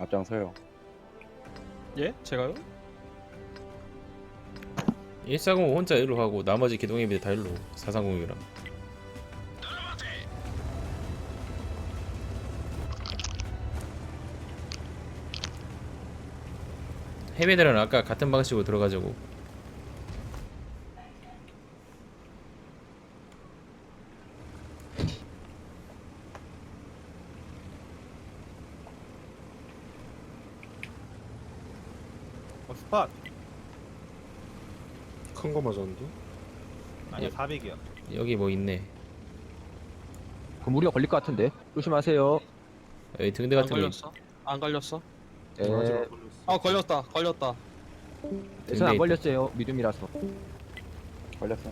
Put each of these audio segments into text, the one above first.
앞장서요. 예? 제가요? 140 혼자 일로 가고 나머지 기동애비들 다 일로 430이랑 해비들은 아까 같은 방식으로 들어가자고. 스팟. 큰 거 맞았는데? 아니 400이요. 여기 뭐 있네. 그럼 우리가 걸릴 것 같은데 조심하세요. 여기 등대 안 같은 거 걸렸어? 안 걸렸어? 네, 마지막 걸렸어. 걸렸다. 저는 안 있다. 걸렸어요. 믿음이라서. 걸렸어.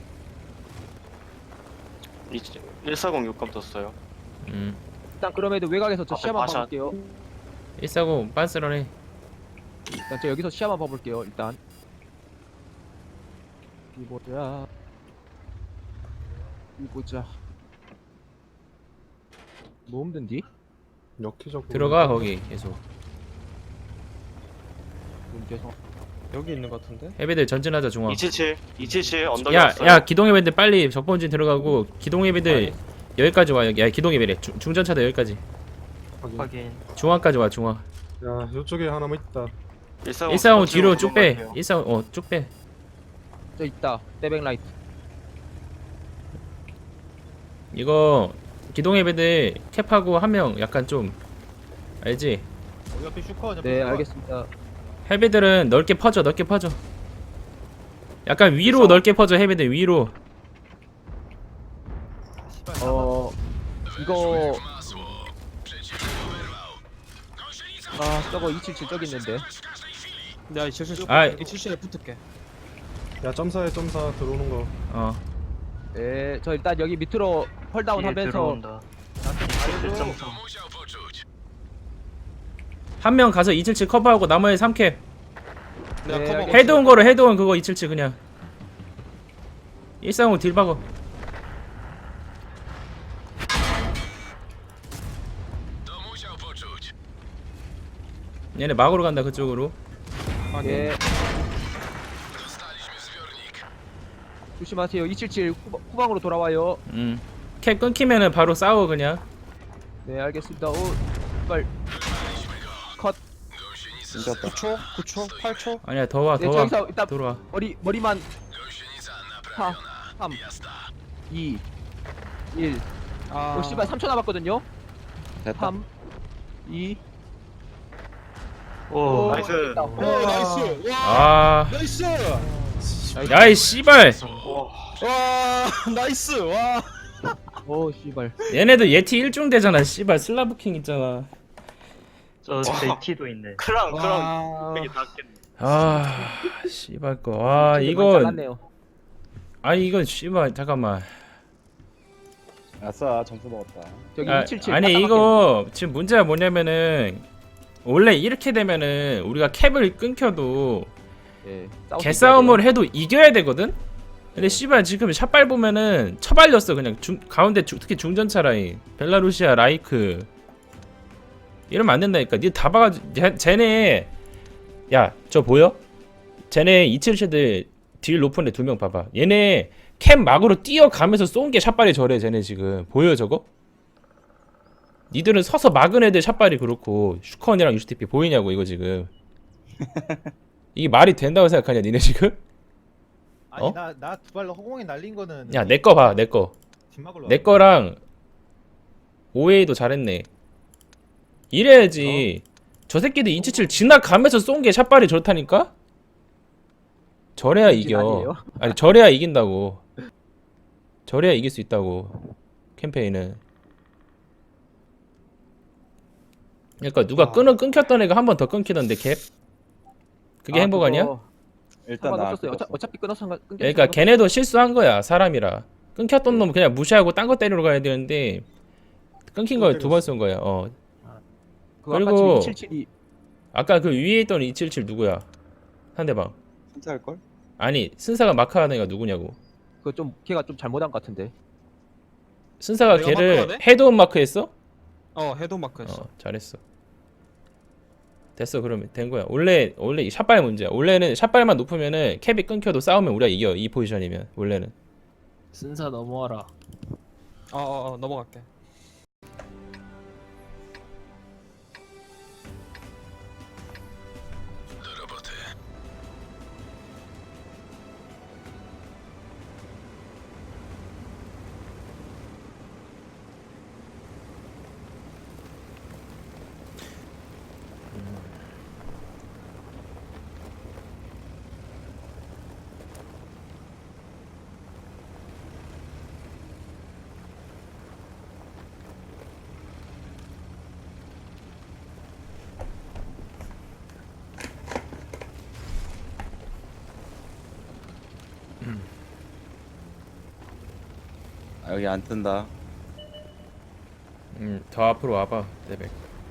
140 육감 떴어요. 일단 그럼에도 외곽에서 저 앞에 시야만 마샷. 봐볼게요. 140 빤스런해. 일단 저 여기서 시야만 봐볼게요. 일단. 이보자. 뭐 힘든디? 역기적으로 들어가 거기 계속. 문제서. 여기 있는 것 같은데? 해비들 전진하자 중앙. 277 언덕에 야, 왔어요. 야 기동해비들 빨리 적본진 들어가고 기동해비들 여기까지 와. 야 기동해비래. 중전차도 여기까지. 확인. 중앙까지 와 중앙. 야 요쪽에 하나만 있다. 140 뒤로 쭉 빼. 140 쭉 빼. 저 있다. 떼백 라이트. 이거 기동해비들 캡하고 한 명 약간 좀 알지? 옆에 슈커. 네, 알겠습니다. 해비들은 넓게 퍼져. 약간 위로 넓게 퍼져. 해비들 위로. 이거 저거 277 저기 있는데. 야, 277. 아. 277에 붙을게. 야 점사에 점사 들어오는 거. 어. 네, 저 일단 여기 밑으로 펄다운 하면서 한 명 가서 277 커버하고 나머지 3캡. 내가 네, 커버. 알겠습니다. 헤드온 거로 헤드온 그거 277 그냥. 135 딜 박어. 얘네 막으로 간다 그쪽으로. 예. 조심하세요. 277 후방으로 돌아와요. 캡 끊기면은 바로 싸워 그냥. 네, 알겠습니다. 오, 빨. 컷. 끊겼다. 9초? 9초? 8초? 아니야 더 와 네, 더 와. 저기서 일단 들어와. 머리만 4 3 2 1. 아. 오, 씨발 3초 남았거든요. 됐다. 3 2 오, 나이스. 됐다. 오, 나이스. 와. 아. 나이스. 야이 씨발. 와, 나이스. 와. 오, 씨발. 얘네도 예티 1중 되잖아. 씨발 슬라브킹 있잖아. 저 JT도 있네. 크랑 와. 되게 닿겠네. 아 씨발 거. 와 진짜 많이 이거 잘랐네요. 아니 이건 씨발 잠깐만. 아싸 점수 먹었다. 저기 아, 277 아니 이거 지금 문제가 뭐냐면은 원래 이렇게 되면은 우리가 캡을 끊겨도 예, 개싸움을 해도 이겨야 되거든? 근데 씨발 지금 샷발 보면은 처발렸어 그냥 가운데 특히 중전차 라인 벨라루시아 라이크 이러면 안 된다니까. 니 다 봐가지고 쟤네 야 저 보여? 쟤네 277들 딜 높은 애 2명 봐봐. 얘네 캠 막으로 뛰어가면서 쏜 게 샷발이 저래. 쟤네 지금 보여 저거? 니들은 서서 막은 애들 샷발이 그렇고 슈컨이랑 UCTP 보이냐고 이거 지금. 이게 말이 된다고 생각하냐 니네 지금? 아니 어? 나 두 발로 허공에 날린 거는 야 내 거 봐 내 거. 뒷막으로 내 거랑 오웨이도 잘했네. 이래야지. 저 새끼들 277 지나가면서 쏜 게 샷발이 좋다니까? 저래야 이겨. 아니에요? 아니 저래야 이긴다고. 저래야 이길 수 있다고. 캠페인은. 그러니까 누가 끊겼던 애가 한 번 더 끊기던데 캡? 그게 행복 아니야? 일단 나 상관없었어요. 끊겼어. 어차피 끊어서 끊겼어. 그러니까 걔네도 실수한 거야 사람이라. 끊겼던 놈 그냥 무시하고 딴 거 때리러 가야 되는데 끊긴 거 두 번 쏜 거야. 그리고 그리고 277이 아까 그 위에 있던 277 누구야? 상대방. 진짜 할 걸? 아니 순사가 마크하는 애가 누구냐고. 그거 좀 걔가 좀 잘못한 것 같은데. 순사가 내가 걔를 마크하네? 헤드온 마크했어? 헤드 마크했어. 잘했어. 됐어. 그러면 된 거야. 원래 이 샷발 문제야. 원래는 샷발만 높으면은 캡이 끊겨도 싸우면 우리가 이겨. 이 포지션이면 원래는. 쓴사 넘어와라. 넘어갈게. 아, 여기 안 뜬다. 더 앞으로 와봐. 레벨.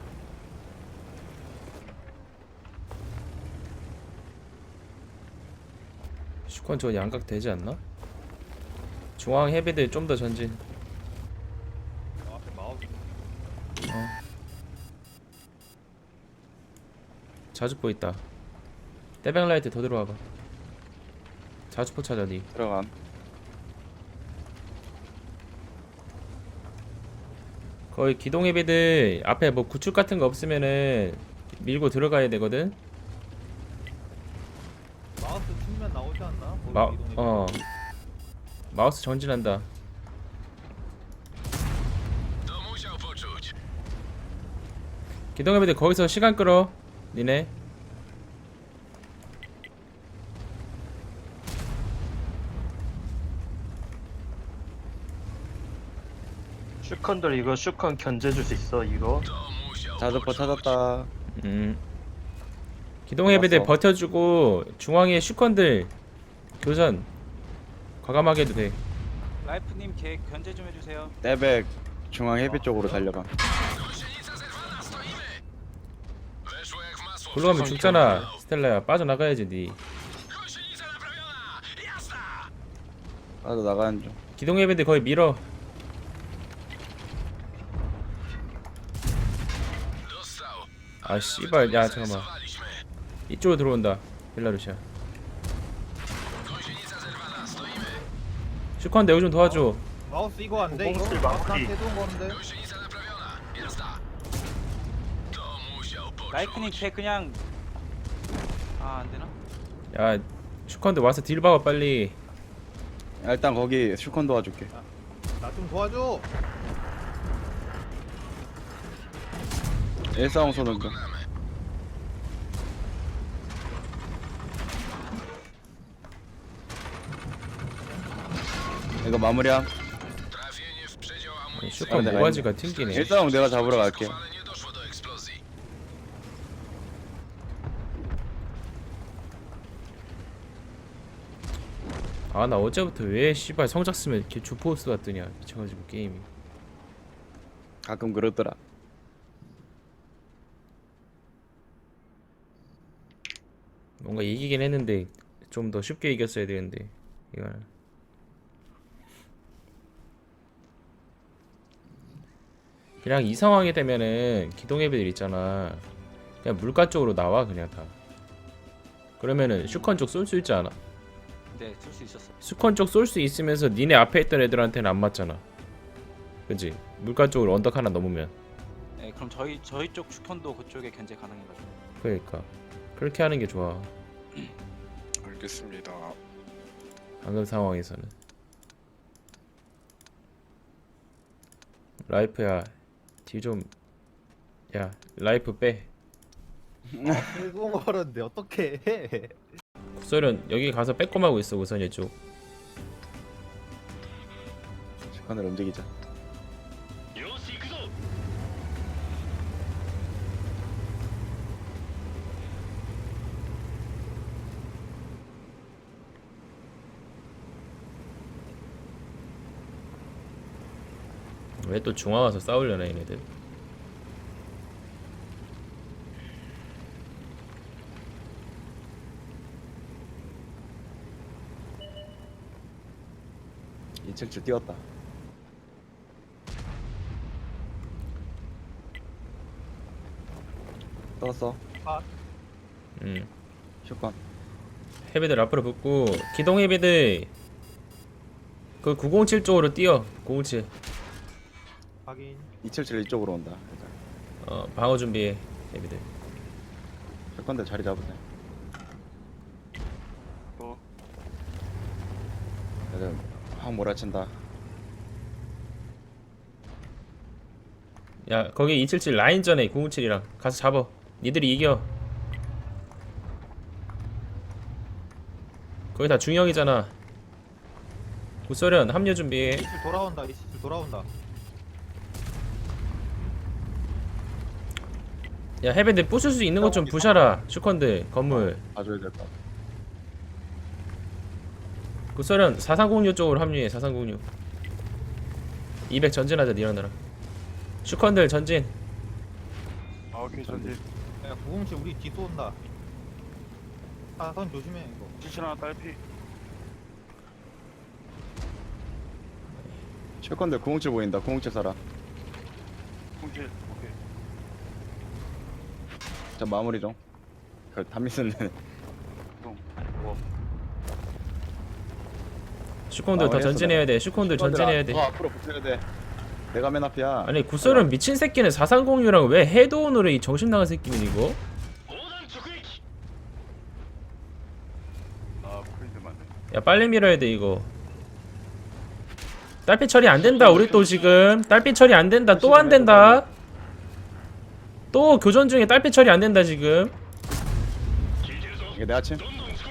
슈컨 저 양각 되지 않나? 중앙 헤비들 좀 더 전진. 앞에 마우스. 자주포 있다. 떼백라이트 더 들어와봐. 자주포 찾아 니. 들어감. 거의 기동 헤비들 앞에 뭐 구축 같은 거 없으면은 밀고 들어가야 되거든. 마우스 측면 나오지 않나? 마우스 전진한다. 기동 헤비들 거기서 시간 끌어. 니네. 슈컨들 이거 슈컨 견제줄 수 있어 이거? 자주포 찾았다. 기동 헤비들 알았어. 버텨주고 중앙에 슈컨들 교전 과감하게 해도 돼. 라이프님 걔 견제 좀 해주세요. 떼백 중앙 헤비 쪽으로 달려가. 글로 가면 죽잖아. 스텔라야 빠져나가야지 니. 나도 나가는 중. 기동 헤비들 거의 밀어. 아 씨발 야 잠깐만. 이쪽으로 들어온다. 벨라루시아. 슈컨 여기 좀 도와줘. 마우스 이거 안 돼? 이거? 공공칠 마우스 마무리. 한테 해두는 거는데? 라이프님 걔 그냥 안 되나? 야 슈컨들 와서 딜 박아 빨리. 야, 일단 거기 슈컨 도와줄게. 나 좀 도와줘. 140 쏘는 중. 이거 마무리함. 슈컨 내가 모가지가 튕기네. 140 내가 잡으러 갈게. 아 나 어제부터 왜 씨발 성작 쓰면 이렇게 주포스 같더냐 미쳐가지고 게임이. 가끔 그러더라. 뭔가 이기긴 했는데 좀 더 쉽게 이겼어야 되는데 이거는. 그냥 이 상황이 되면은 기동해비들 있잖아. 그냥 물가 쪽으로 나와 그냥 다. 그러면은 슈컨 쪽 쏠 수 있지 않아? 네, 쓸 수 있었어. 슈컨 쪽 쏠 수 있으면서 니네 앞에 있던 애들한테는 안 맞잖아. 그치? 물가 쪽으로 언덕 하나 넘으면. 네, 그럼 저희 쪽 슈컨도 그쪽에 견제 가능해가지고. 그러니까 그렇게 하는 게 좋아. 알겠습니다. 방금 상황에서는. 라이프야 뒤 좀. 야 라이프 빼. 해두는 거는데 어떻게 해? 국설은 여기 가서 빼꼼하고 있어. 우선 이쪽. 슈컨을 움직이자. 왜 또 중앙 와서 싸우려나 얘네들. 이층줄 띄웠다. 떴어. 아, 슈컨. 헤비들 앞으로 붙고 기동 헤비들 그 907 쪽으로 뛰어. 907. 확인. 277 이쪽으로 온다. 방어 준비해. 헤비들. 슈컨들 자리 잡으세요. 애들 확 몰아친다. 야 거기 277 라인전에 907이랑 가서 잡어. 니들이 이겨. 거기 다 중형이잖아. 구소련 합류 준비해. 이실 돌아온다. 이실 돌아온다. 야 헤비들 부술 수 있는 것 좀 부셔라. 슈컨들 건물. 봐줘야 될 것 같아. 구소련 4306 쪽으로 합류해. 4306 200 전진하자. 니라나라 슈컨들 전진. 오케이 전진. 야, 907 우리 뒤 쏜다. 사선 조심해 이거. 77 하나 딸피. 슈컨들 907 보인다. 907 살아. 907 오케이. 자 마무리 좀. 그 담미스는 슈컨들 더 전진해야 돼. 슈컨들 전진해야 돼. 더 앞으로 붙여야 돼. 내가 맨 앞이야. 아니 구소련 미친 새끼는 4306랑 왜 헤드온으로 이 정신 나간 새끼는 이거? 야 빨리 밀어야 돼 이거. 딸피 처리 안 된다. 우리 또 지금 딸피 처리 안 된다. 또 안 된다. 또 교전 중에 딸피 처리 안 된다 지금. 이게 내 아침.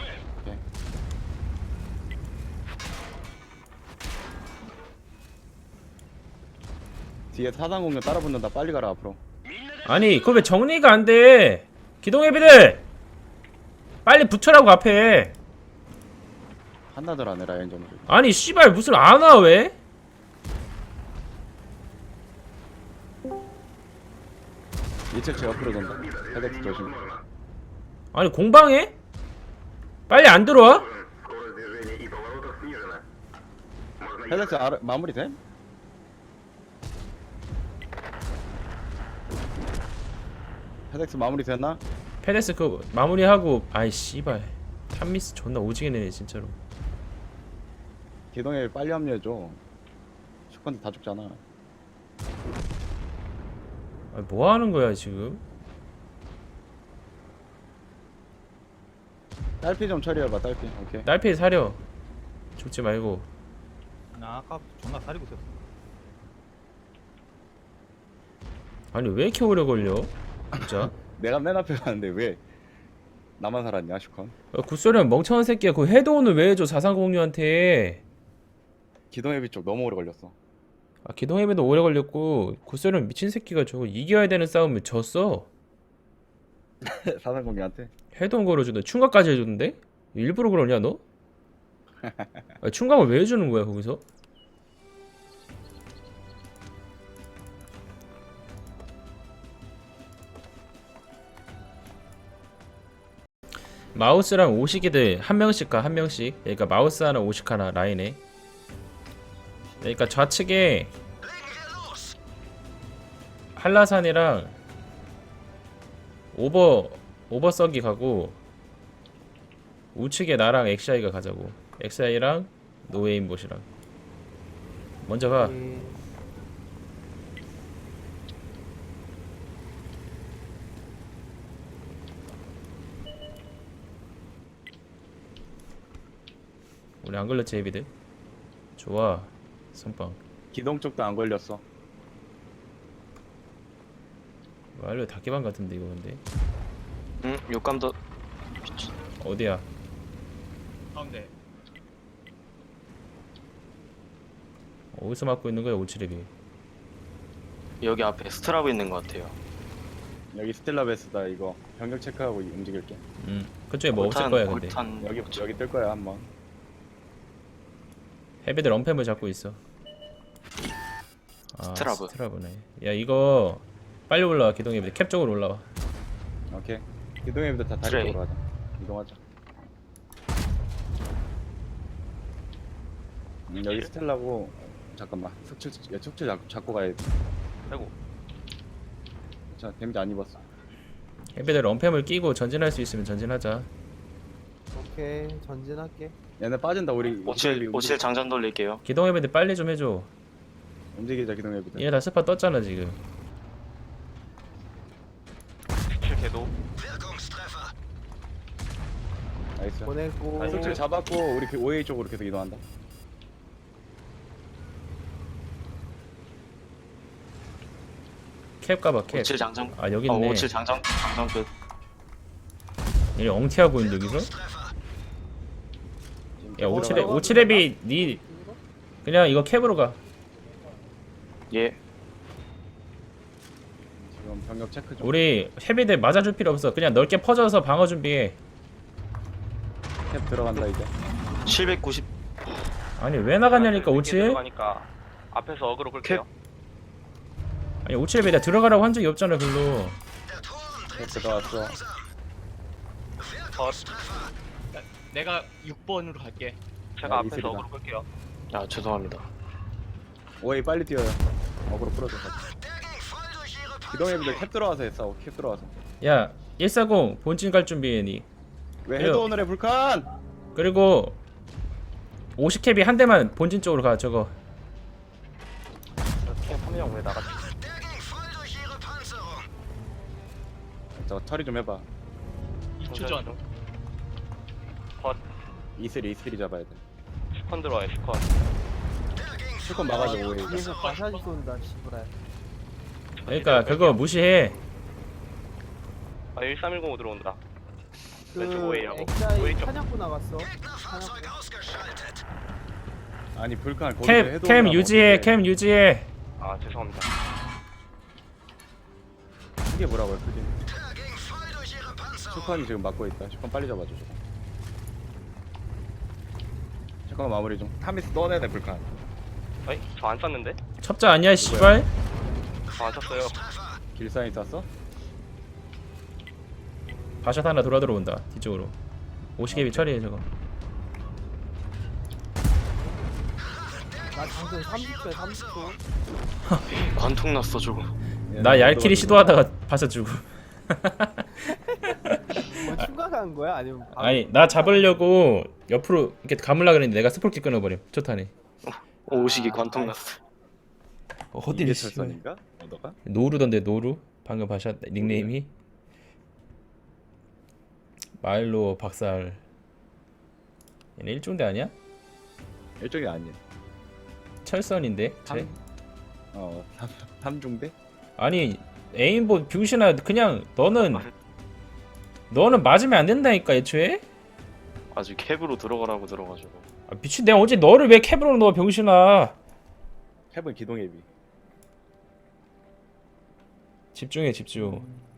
뒤에 사단 공격 따라 붙는다. 빨리 가라 앞으로. 아니 그거 왜 정리가 안 돼? 기동해비들 빨리 붙여라고 앞에. 한나들 안 해라 엔점을. 아니 씨발 무슨 안 와 왜? 이철치 옆으로 돈다. 헤덱스 조심. 아니 공방해? 빨리 안 들어와? 헤덱스 마무리 돼? 헤덱스 마무리 됐나? 페데스 그 마무리하고. 아이 씨발 탐미스 존나 오지게 내네 진짜로. 기동에 빨리 합류해줘. 슈컨들 다 죽잖아. 아니 뭐 하는 거야 지금? 딸피 좀 처리해봐. 딸피. 오케이. 딸피 사려. 죽지 말고. 나 아까 존나 사리고 있었어. 아니 왜 이렇게 오래 걸려? 진짜. 내가 맨 앞에 가는데 왜 나만 살았냐 슈컨? 굿소리는 멍청한 새끼야. 그 헤드온을 왜 해줘 4306한테. 기동해비 쪽 너무 오래 걸렸어. 아 기동해배도 오래 걸렸고 굿소리는 미친 새끼가 저거 이겨야 되는 싸움을 졌어. 사단 공격한테. 헤드온 걸어주는데 충각까지 해줬는데? 일부러 그러냐 너? 아, 충각을 왜 해주는 거야 거기서? 마우스랑 오시기들 한 명씩 가. 한 명씩. 그러니까 마우스 하나 오식 하나 라인에. 그러니까 좌측에 한라산이랑 오버서기 가고 우측에 나랑 엑시아이가 가자고. 엑시아이랑 노웨인봇이랑 먼저 가. 우리 안 걸렸지 헤비들? 좋아. 선빵. 기동 쪽도 안 걸렸어. 완료 닭개방 같은데 이거 근데. 응, 욕감도 어디야? 가운데. 어디서 맞고 있는 거야 오치레비? 여기 앞에 스트라브 있는 것 같아요. 여기 스텔라베스다. 이거 병력 체크하고 움직일게. 그쪽에 뭐 없을 거야 근데. 여기 뜰 거야 한번. 헤비들 언팸을 잡고 있어. 아, 스트라브. 스트라브네. 야 이거 빨리 올라와. 기동 헤비들 캡 쪽으로 올라와. 오케이. 기동해비도 다 다리 트레이. 쪽으로 가자. 이동하자. 여기 스텔라고. 잠깐만. 숙칠 잡고 가야 돼. 아이고. 자 데미지 안 입었어. 해비들 럼팸을 끼고 전진할 수 있으면 전진하자. 오케이 전진할게. 얘네 빠진다 우리. 57 장전 돌릴게요. 기동 해비들 빨리 좀 해줘. 움직이자 기동해보자. 얘네 다 스파 떴잖아 지금. 17 궤도. 나이스. 보내고. 술줄 잡았고 우리 그 OA 쪽으로 계속 이동한다. 캡 가봐 캡. 57 장전. 아 여기 있네. 57 장전 끝. 얘네 엉티하고 있는데 여기서? 야 57앱이 니 그냥 이거 캡으로 가. 예. 지금 병력 체크 중. 우리 헤비들 맞아줄 필요 없어. 그냥 넓게 퍼져서 방어 준비해. 캡 들어간다 이제. 790. 아니 왜 나갔냐니까 57? 가니까 앞에서 어그로 끌게요. 아니 57앱에 나 들어가라고 한 적이 없잖아 글로. 캡 들어왔어. 내가 6번으로 갈게. 제가 야, 앞에서 이슬이다. 어그로 끌게요. 아 죄송합니다. OA 빨리 뛰어요. 어그로 풀어줘. 기동해보자. 캡 들어와서 했어. 캡 들어와서. 야 140 본진 갈 준비해 니. 왜 그래요. 해도 오늘의 불칸? 그리고 50캡이 한 대만 본진 쪽으로 가 저거. 캠 3명 왜 나갔지? 저 처리 좀 해봐. 2초 전. 이슬이 잡아야 돼. 스컨 들어와요 스컨. 실컷 막아줘 OA. 뒤에서 마사지 쏜다 씨부랄. 그러니까 그거 무시해. 아 1310 들어온다. 그 왼쪽 오해요. 엑사이 오해 쪽. 사냥꾼 나갔어. 사냥꾼. 아니 불칸 거기서 해도 캠 오나 유지해 뭐. 캠 유지해. 아 죄송합니다. 크게 뭐라고요 크게. 슈컨이 지금 막고 있다. 슈컨 빨리 잡아줘. 슈컨 마무리 좀. 타미스 넣어내야 돼 불칸. 아이 저 안 쐈는데? 첩자 아니야 씨발. 저 안 쐈어요. 길사이 쐈어? 바샷 하나 돌아 들어온다 뒤쪽으로. 50캡이 처리해 저거. 나 방금 30초에 30초. 관통 났어 저거. 나 얄킬이 시도하다가 바샷 주고. 뭐 추가한 거야? 아니면 바로- 아니 나 잡으려고 옆으로 이렇게 감으려 그랬는데 내가 스포키 끊어버림. 초탄에. 오식이 관통 났어. 어디 이게 씨발. 철선인가? 너가? 노루던데 노루? 방금 바샷 닉네임이 마일로 박살. 얘네 일중대 아니야? 일종이 아니야. 철선인데? 쟤? 삼중대? 아니 에임보 병신아 그냥 너는 맞으면 안 된다니까 애초에? 아직 캡으로 들어가라고 들어가지고. 아, 미친 내가 어제 너를 왜 캡으로 넣어 병신아. 캡은 기동해비. 집중해 집중.